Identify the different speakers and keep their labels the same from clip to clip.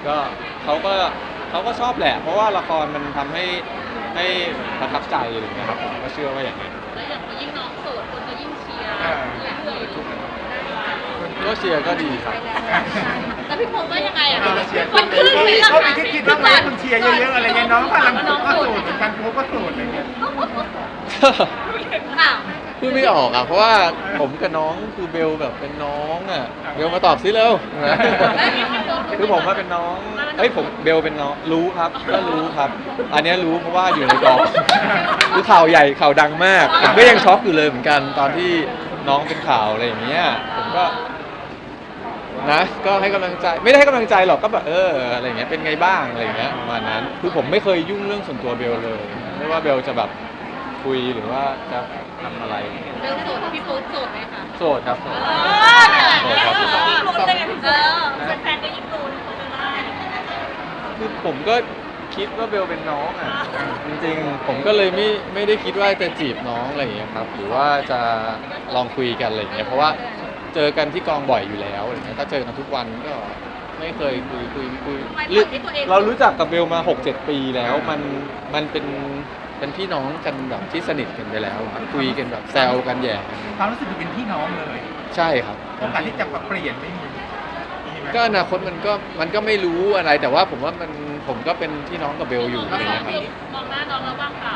Speaker 1: ก็เขาก็เขาก็ชอบแหละเพราะว่าละครมันทำให้ประทับใจอะไรอย่างเงี้ยครับผมก็เชื่อว่าอย่างนั้น
Speaker 2: แล้วอย่างยิ่งน้องโสดคนก็ยิ่งเชียร์เรื่อยๆ
Speaker 1: ก็เชียร์ก็ดีครับ
Speaker 2: แล้วพี่พงษ์ว่ายังไงอ่ะ
Speaker 3: เชียร์
Speaker 2: มันขึ้นไหมล่ะ
Speaker 3: เขาไปคิดบ้างไหมคุณเชียร์เยอะๆอะไรเงี้ยน้องพลังก็สูตรเหมือนกันโค้ก็สูตรอะไรเงี้ย
Speaker 2: อ้าว
Speaker 1: พูดไม่ออกอ่ะเพราะว่าผมกับน้องคือเบลแบบเป็นน้องอ่ะเบลมาตอบซิเร็วนะคือผมว่าเป็นน้องผมเบลเป็นน้องรู้ครับก็รู้ครับ อันเนี้ยรู้เพราะว่าอยู่ในกองคือข่าวใหญ่ข่าวดังมากผมก็ยังช็อกอยู่เลยเหมือนกันตอนที่น้องเป็นข่าวอะไรอย่างเงี้ยผมก็นะก็ให้กำลังใจไม่ได้ให้กำลังใจหรอกก็แบบอะไรอย่างเงี้ยเป็นไงบ้างอะไรอย่างเงี้ยประมาณนั้นคือผมไม่เคยยุ่งเรื่องส่วนตัวเบลเลยไม่ว่าเบลจะแบบคุยหรือว่าจะทำอะไร
Speaker 2: เบลโสดพี่ปุ๊กโสดไหมคะ
Speaker 1: โสดครับโสด
Speaker 2: โสดครับยิ่งลุ้นได้ไงพี่ปุ๊กแฟนก็ยิ่งลุ้นได้
Speaker 1: คือผมก็คิดว่าเบลเป็นน้องอ่ะจริงๆผมก็เลยไม่ได้คิดว่าจะจีบน้องอะไรอย่างเงี้ยครับหรือว่าจะลองคุยกันอะไรอย่างเงี้ยเพราะว่าเจอกันที่กองบ่อยอยู่แล้วอะไรเงี้ยถ้าเจอกันทุกวันก็ไม่เคยคุยเรารู้จักกับเบลมา 6-7 ปีแล้วมันเป็นพี่น้องกันแบบที่สนิทกันไปแล้วอะคุยกันแบบแซวกันแย่กัน
Speaker 3: ความรู้สึกเป็นพี่น้องเลย
Speaker 1: ใช่ครับ
Speaker 3: โอกาสที่จะเปลี่ยนไม่มีไหม
Speaker 1: ก็อนาคตมันก็ไม่รู้อะไรแต่ว่าผมว่าผมก็เป็นพี่น้องกับเบลอยู่อะไรเงี้ยครับ
Speaker 2: มองหน้าน้องแล้วว่างเปล่า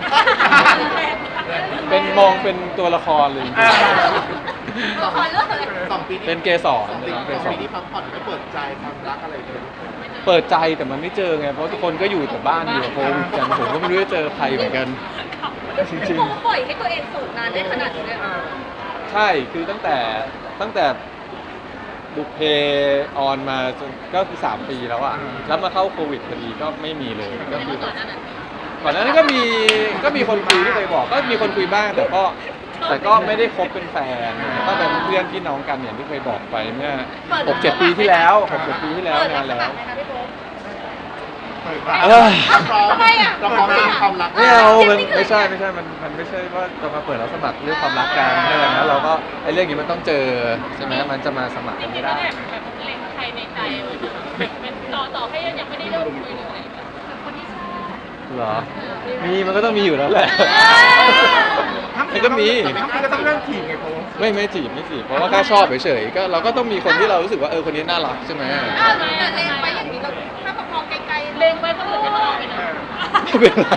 Speaker 1: เป็นมองเป็นตัวละครเลยจริง
Speaker 2: ละครเรื่องอะไร
Speaker 1: ๆเป็นเกสร
Speaker 3: ส
Speaker 1: เป็น
Speaker 3: อง
Speaker 1: เกส
Speaker 3: ปี
Speaker 1: ร
Speaker 3: ที่พักผ่อนไม่เปิดใจความรักอะไรเลย
Speaker 1: เปิดใจแต่มันไม่เจอไงเพราะทุกคนก็อยู่แต่บ้านอยู่กับโควิดกันผมก็ไม่รู้จะเจอใครเหมือนกันจริง
Speaker 2: พี่ปุ๊กปล่อยให้ตัวเองโสดนานได้ขนาดนี้เลยเหรอ
Speaker 1: ๆใช่คือตั้งแต่บุพเพออนมาจนก็คือ3 ปีแล้วอ่ะแล้วมาเข้าโควิดพอดีก็ไม่มีเลยก็คือ
Speaker 2: ก่อนหน้านั้น
Speaker 1: ก่อนหน้านั้นก็มีคนคุยที่เคยบอกก็มีคนคุยบ้างแต่ก็ไม่ได้คบเป็นแฟนก็เป็นเพื่อนพี่น้องกันอย่างที่เคยบอกไปเมื่อ 6-7 ปีที่แล้ว6-7 ปีที่แล้วนานแล้ว
Speaker 3: เปิดรัก
Speaker 1: เออ
Speaker 2: ทำไมอ่ะ
Speaker 3: เราพร้อมจะมีความรัก
Speaker 1: ไม่เอามันไม่ใช่มันไม่ใช่ว่าจะมาเปิดรับสมัครเรื่องความรักกันใช่ไหมแล้วเราก็ไอ้เรื่องนี้มันต้องเจอใช่ไหมมันจะมาสมัครกันไม่ได้
Speaker 2: แบบเล็งใครในใจเป็นต่อให้ยังไม่ได้เริ่มคุยเลยคนที่ชอบ
Speaker 1: เหรอ มีมันก็ต้องมีอยู่แล้วแหละ มันก็มี
Speaker 3: ทั้งปีก็ต้องเริ่มถีบไงโค้
Speaker 1: ไม่จีบเพราะว่าแค่ชอบเฉยๆก็เราก็ต้องมีคนที่เรารู้สึกว่าคนนี้น่ารักใช่ไหม
Speaker 2: อ้าวแต่เล็งไปอย่างนี้เราถ้าประคองไกลๆเล็งไปก็เหมือนจะมาเอาไปนะ
Speaker 1: ไม่เป็นไร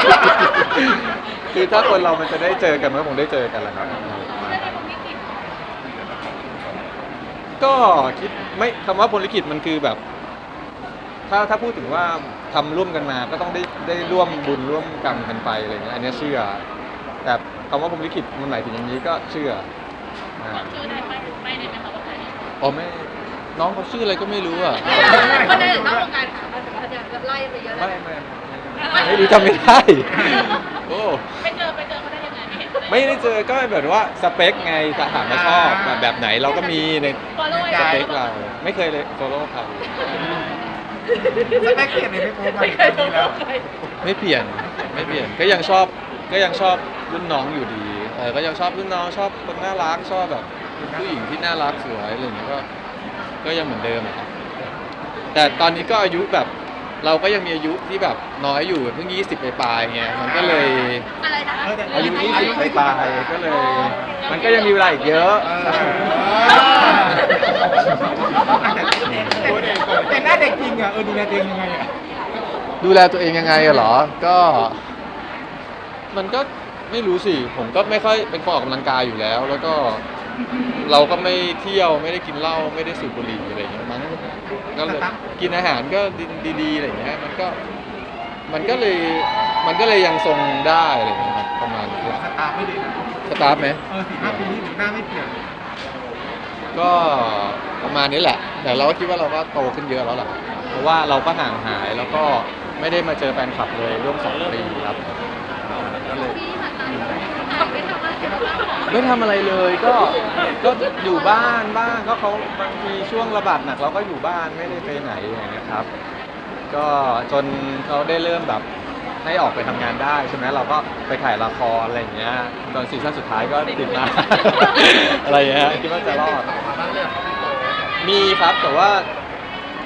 Speaker 1: คือถ้าคนเรามันจะได้เจอกันมันก็คงได้เจอกันแหละครับ ก็คิดไม่คำว่าพรหมลิขิตมันคือแบบ ถ้าพูดถึงว่าทำร่วมกันมาก็ต้องได้ร่วมบุญร่วมกรรมกันไปอะไรเงี้ยอันเนี้ยเชื่อ แต่คำว่าพรหมลิขิตมันหมายถึงอย่างนี้ก็เชื่อ
Speaker 2: ชื่อได้ไหมไม่ได้ไหมคะว่าใคร
Speaker 1: อ๋อไม่น้องเขาชื่ออะไรก็ไม่รู้อ่ะ
Speaker 2: คนในนอกวงการค่ะแต่จะไล่ไปเยอะแล้ว
Speaker 1: ไม่รู้จำไม่ได้โอ้
Speaker 2: ไปเจอเขาได้ยังไงไม่เห็น
Speaker 1: ไม่ได้เจอก็แบบว่าสเปคไงถามว่าชอบแบบไหนเราก็มีใน
Speaker 2: ฟอลโล่
Speaker 1: สเปคเราไม่เคยเลยโซโล่ใคร
Speaker 3: สเปคเปลี่ยนเลยไม่โค้มาอีกทีแล้ว
Speaker 1: ไม่เปลี่ยนก็ยังชอบรุ่นน้องอยู่ดีก็ยังชอบรุ่นน้องชอบคนน่ารักชอบแบบผู้หญิงที่น่ารักสวยอะไรอย่างเงี้ยก็ยังเหมือนเดิมอะครับแต่ตอนนี้ก็อายุแบบเราก็ยังมีอายุที่แบบน้อยอยู่เพิ่ง20ปลายๆไงมันก็เลย
Speaker 2: อะไรนะ
Speaker 1: อายุ20ปลายๆก็เลย มันก็ยังมีเวลาอีกเยอะ
Speaker 3: แต่หน้าเด็กจริงอ่ะดูแลตัวเองยังไงอ่ะ
Speaker 1: ดูแลตัวเองยังไงอะเหรอ ก็มันก็ไม่รู้สิผมก็ไม่ค่อยเป็นคนออกกำลังกายอยู่แล้ว แล้วก็เราก็ไม่เที่ยวไม่ได้กินเหล้าไม่ได้สูบบุหรี่อะไรอย่างเงี้ยมั้งก็เลยกินอาหารก็ดีๆอะไรอย่างเงี้ยมันก็เลยยังทรงได้อะไรอย่างเงี้ยครับประมาณนี้
Speaker 3: สตาร์ไม่เลยนะ
Speaker 1: สตาร์ทไหม
Speaker 3: 4-5 ปีนี้หนูหน้าไม่เปลี่ยน
Speaker 1: ก็ประมาณนี้แหละ แต่เราก็คิดว่าเราก็โตขึ้นเยอะแล้วล่ะเพราะว่าเราก็ห่างหายแล้วก็ไม่ได้มาเจอแฟนคลับเลยร่วม2 ปีครับก็เลย
Speaker 2: พี่ผ่านมาไม่ทำอะไรกันบ้างหรอ
Speaker 1: ไม่ทำอะไรเลยก็อยู่บ้านบ้างก็เขาบางทีช่วงระบาดหนักเราก็อยู่บ้านไม่ได้ไปไหนอย่างเงี้ยครับ ก็จนเขาได้เริ่มแบบให้ออกไปทำงานได้ใช่ไหมเราก็ไปถ่ายละครอะไรอย่างเงี้ยตอนซีซั่นสุดท้ายก็ติดมา อะไรอย่างเงี้ยคิดว่าจะรอดมีครับแต่ว่า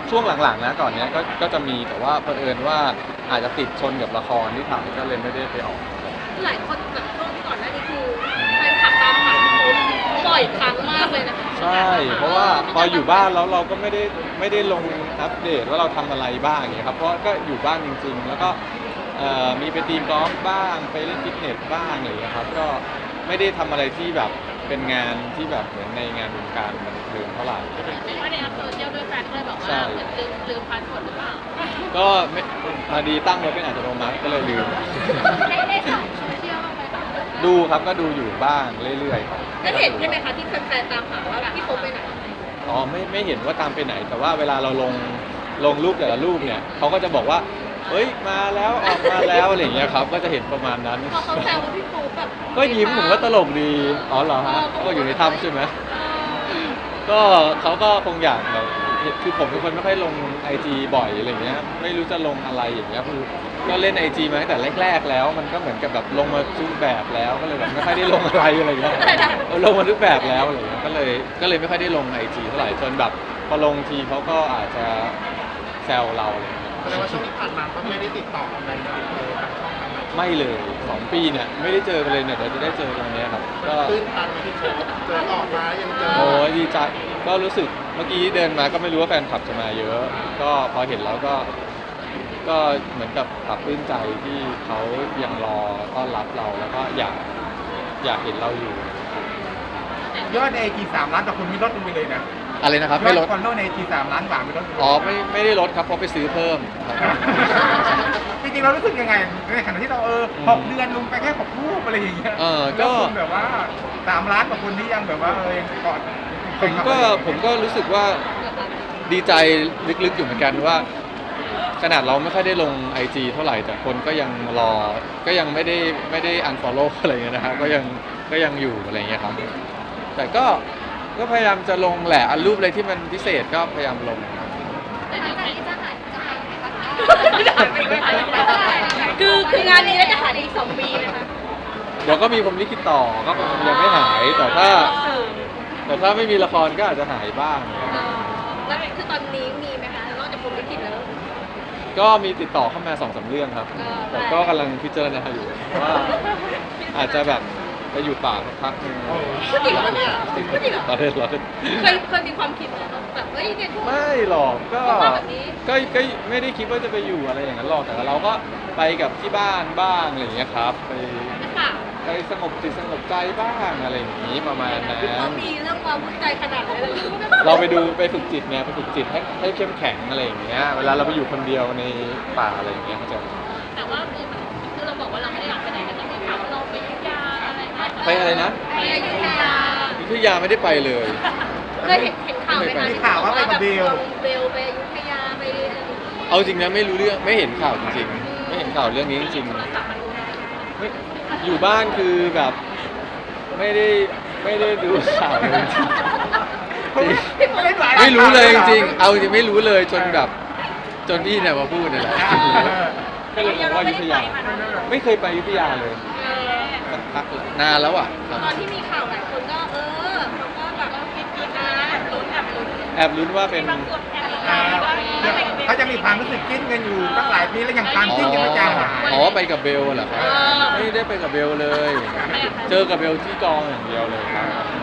Speaker 1: ช่วงหลังๆนะก่อนเนี้ยก็จะมีแต่ว่าเผอิญว่าอาจจะติดชนกับละครที่ถ่ายก็เลยไม่ได้ไปออก
Speaker 2: หลายคนแบบช่วงก่อนหน้านี้คือแฟนคลับตามหาพี่โป๊ปบ่อยครั้งมากเลยนะคะ
Speaker 1: ใช่ เพราะว่าพออยู่บ้านแล้วเราก็ไม่ได้ลงอัปเดตว่าเราทำอะไรบ้างอย่างเงี้ยครับเพราะก็อยู่บ้านจริงๆ แล้วก็มีไปตีกอล์ฟบ้างไปเล่นฟิตเนสบ้างอะไรอย่างเงี้ยครับก็ไม่ได้ทำอะไรที่แบบเป็นงานที่แบบเหมือนในงานวงการบันเทิงเท่าไหร่
Speaker 2: ไม่ได้อัพโซเชียลด้วยแฟนเลยบอก
Speaker 1: ใช่
Speaker 2: ว่าเหมือนลืมพาสเวิร์ดหรือเปล่า
Speaker 1: ก็ไม่พอดีตั้งไว้เป็นอัตโนมัติก็เลยลืม
Speaker 2: ได้ส่องโซเชียลบ้างไหมคะ
Speaker 1: ดูครับก็ดูอยู่บ้างเรื่อยๆครับ
Speaker 2: ได้เห็นใช่ไหมคะที่แฟนๆตามหาว่าพี่โป๊ปไปไหน
Speaker 1: อ๋อไม่เห็นว่าตามไปไหน แต่ว่าเวลาเราลงรูปแต่ละรูปเนี่ยเขาก็จะบอกว่าเฮ้ยมาแล้วออกมาแล้วอะไรอย่างเงี้ยครับก็จะเห็นประมาณนั้น
Speaker 2: พอเขาแซวว่าพี่โป๊ปแบบ
Speaker 1: ก็ยิ้มผมก็ตลกดีอ๋อเหรอฮะก็อยู่ในถ้ำใช่ไหมก็เขาก็คงอยากแบบคือผมเป็นคนไม่ค่อยลงไอจีบ่อยอะไรเงี้ยไม่รู้จะลงอะไรอย่างเงี้ยคือก็เล่นไอจีมาตั้งแต่แรกๆแล้ว มันก็เหมือนกับแบบลงมาทุกแบบแล้วก็เลยแบบไม่ค่อยได้ลงอะไรอะไรเงี้ยลงมาทุกแบบแล้วอะไรเงี้ยก็เลยไม่ค่อยได้ลงไอจีเท่าไหร่จนแบบพอลงทีเขาก็อาจจะแซวเราอะไรเงี้ย
Speaker 3: แสดงว่าช่วงที่ผ่านมาก็ไม่ได้ติดต่อกันเลยทางช่องทางไหน
Speaker 1: ไม่เลย2 ปีเนี่ยไม่ได้เจอกันเลยเนี่ยเดี๋ยวจะได้เจอกันวันเนี้ยครับก็
Speaker 3: ตื้นตันที่โชว์เจอออกมายังเจอ
Speaker 1: โอ้ยดีใจก็รู้สึกเมื่อกี้เดินมาก็ไม่รู้ว่าแฟนคลับจะมาเยอะ ก็พอเห็นแล้วก็เหมือนกับปรับปลื้มใจที่เขายังรอต้อนรับเราแล้วก็อยากเห็นเราอยู่
Speaker 3: ยอดในไอจี3 ล้านต่อคนมีลดลงไปเลยนะ
Speaker 1: อะไรนะครับ
Speaker 3: ยอ
Speaker 1: ไม่
Speaker 3: ด
Speaker 1: ลด
Speaker 3: ฟอลโล่ในไอจี3 ล้านกว่าไม่ลดลง
Speaker 1: อ๋อไม่ได้ลดครับเพราะไปซื้อเพิ่มครับ
Speaker 3: จริงๆเรารู้สึกยังไงในขณะที่เรา6 เดือนลงไปแค่6 รูปอะไรอย่างเงี้ย
Speaker 1: ก็
Speaker 3: แล้วคุณแบบว่า3 ล้านกว่าคนที่ยังแบบว่ายังกอด
Speaker 1: ผมก็รู้สึกว่าดีใจลึกๆอยู่เหมือนกันว่า ขนาดเราไม่ค่อยได้ลง IG เท่าไหร่แต่คนก็ยังรอก็ยังไม่ได้ unfollow อะไรเงี้ยนะครับก็ยังอยู่อะไรเงี้ยครับแต่ก็พยายามจะลงแหละอันรูปอะไรที่มันพิเศษก็พยายามลง
Speaker 2: แต่หลังจากนี้จะหายคืองานนี้แล้วจะหายอีก2 ปีไหมคะ
Speaker 1: เดี๋ยวก็มีผมลิขิตต่อก็ยังไม่หายแต่ถ้าไม่มีละครก็อาจจะหายบ้าง
Speaker 2: แล้วคือตอนนี้มีไหมคะนอกจากผมลิขิตแล้ว
Speaker 1: ก็มีติดต่อเข้ามา2-3 เรื่องครับ แต่ก็กำลังพิจารณาอยู่ว่าอาจจะแบบไปอยู่ป่าสักพักหนึง
Speaker 2: พูดจริงปะเนี่ยพูดจริงเหรอ
Speaker 1: เราเล่น
Speaker 2: เคยมีความคิดไหมคะแบบเฮ้ยเนี่ยช่วง
Speaker 1: ไม่หรอกก็
Speaker 2: แบบนี้
Speaker 1: ไม่ได้คิดว่าจะไปอยู่อะไรอย่างนั้นหรอกแต่เราก็ไปกับที่บ้านบ้างอะไรอย่างเงี้ยครับ
Speaker 2: ค่ะ
Speaker 1: ไปสงบจิตสงบใจบ้างอะไรอย่างนี้ประมาณนั้น
Speaker 2: เขามีเรื่องความวุ่นใจขนาดนั้นเลย
Speaker 1: เราไปฝึกจิตไงไปฝึกจิตให้เข้มแข็งอะไรอย่างเงี้ยเวลาเราไปอยู่คนเดียวในป่าอะไรอย่างเงี้ยเขาจะ
Speaker 2: แต่ว่าคือเราบอกว่าเราไม่ได้อยากไปไหนแต่มีข่าวว่าเราไปอยุธยาอะไรเงี้ย
Speaker 1: ไปอะไรนะ
Speaker 2: ไปอยุธยา
Speaker 1: อยุธยาไม่ได้ไปเลย
Speaker 2: เคยเห็นข่าวไหมคะ
Speaker 3: มีข่าวว่าไปกับเบล
Speaker 2: เบลไปอยุธยาไปอะไรอย่างเงี้ย
Speaker 1: เอาจริงนะไม่รู้เรื่องไม่เห็นข่าวจริงๆไม่เห็นข่าวเรื่องนี้จริงๆไม่อยู่บ้านคือแบบไม่ได้ดูข่าวเลยจริงๆไม่รู้เลยจริงๆเอาจริงไม่รู้เลยจนแบบจนพี่เนี่ยมาพูดนี่แหละก็เลยบอกว่าอยุธยาไม่เคยไปอยุธยาเลยสักพักเลยนานแล้วอ่ะครับ
Speaker 2: ตอนที่มีข่าวหลายคนก็เขาก็แบบคิดนะลุ้น
Speaker 1: แอบลุ้นว่าเป็น
Speaker 3: เขาจะมีความรู้สึกจิ้นกันอยู่ตั้งหลายปีแล้วยังความจิ้นยังไม่จางหาย
Speaker 1: อ๋อไปกับเบลเหรอครับไม่ได้ไปกับเบลเลย เจอกับเบลที่กองอย่างเดียวเลยครับ